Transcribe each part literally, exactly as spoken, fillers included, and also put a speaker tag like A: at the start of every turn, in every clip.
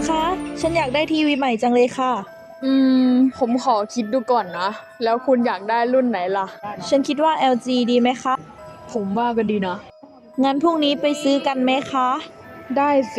A: คะ ฉันอยากได้ทีวีใหม่จังเลยค่ะ
B: อืม ผมขอคิดดูก่อนนะ แล้วคุณอยากได้รุ่นไหนล่ะ
A: ฉันคิดว่า แอล จี ดีไหมคะ
B: ผมว่าก็ดีนะ
A: งั้นพรุ่งนี้ไปซื้อกันไหมคะ
B: ได้สิ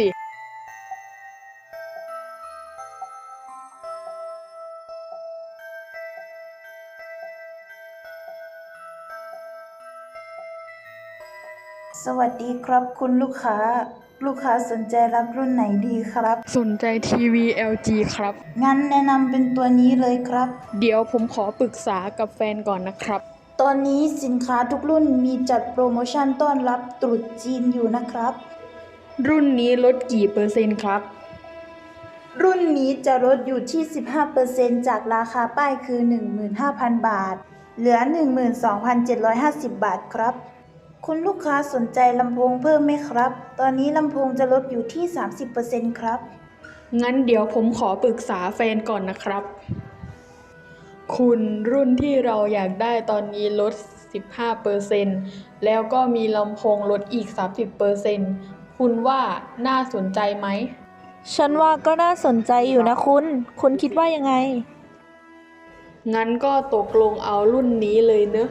C: สวัสดีครับคุณลูกค้า ลูกค้าสนใจรับรุ่นไหนดีครับ
B: สนใจทีวี แอล จี ครับ
C: งั้นแนะนำเป็นตัวนี้เลยครับ
B: เดี๋ยวผมขอปรึกษากับแฟนก่อนนะครับ
C: ตอนนี้สินค้าทุกรุ่นมีจัดโปรโมชั่นต้อนรับตรุษจีนอยู่นะครับ
B: รุ่นนี้ลดกี่เปอร์เซ็นต์ครับ
C: รุ่นนี้จะลดอยู่ที่ สิบห้าเปอร์เซ็นต์ จากราคาป้ายคือ หนึ่งหมื่นห้าพัน บาท เหลือ หนึ่งหมื่นสองพันเจ็ดร้อยห้าสิบ บาทครับ คุณลูกค้าสนใจลำโพงเพิ่มไหมครับ ตอนนี้ลำโพงจะลดอยู่ที่ สามสิบเปอร์เซ็นต์ ครับ
B: งั้นเดี๋ยวผมขอปรึกษาแฟนก่อนนะครับ คุณรุ่นที่เราอยากได้ตอนนี้ลด สิบห้าเปอร์เซ็นต์ แล้วก็มีลำโพงลดอีก สามสิบเปอร์เซ็นต์ คุณว่าน่าสนใจไหม
A: ฉันว่าก็น่าสนใจอยู่นะคุณ คุณคิดว่ายังไง
B: งั้นก็ตกลงเอารุ่นนี้เลยเนอะ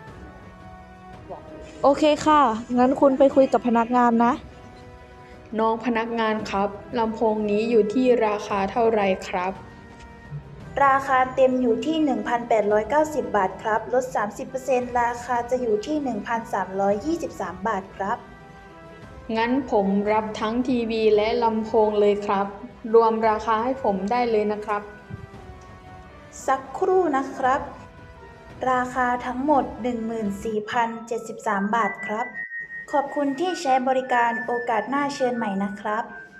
A: โอเคค่ะ งั้นคุณไปคุยกับพนักงานนะ
B: น้องพนักงานครับลำโพงนี้อยู่ที่ราคาเท่าไหร่ครับ
C: ราคาเต็มอยู่ที่ หนึ่งพันแปดร้อยเก้าสิบ บาทครับ ลด สามสิบเปอร์เซ็นต์ ราคาจะอยู่ที่ หนึ่งพันสามร้อยยี่สิบสาม บาทครับ
B: งั้นผมรับทั้งทีวีและลำโพงเลยครับ รวมราคาให้ผมได้เลยนะครับ
C: สักครู่นะครับ ราคาทั้งหมด หนึ่งหมื่นสี่พันเจ็ดสิบสาม บาทครับ ขอบคุณที่ใช้บริการโอกาสหน้าเชิญใหม่นะครับ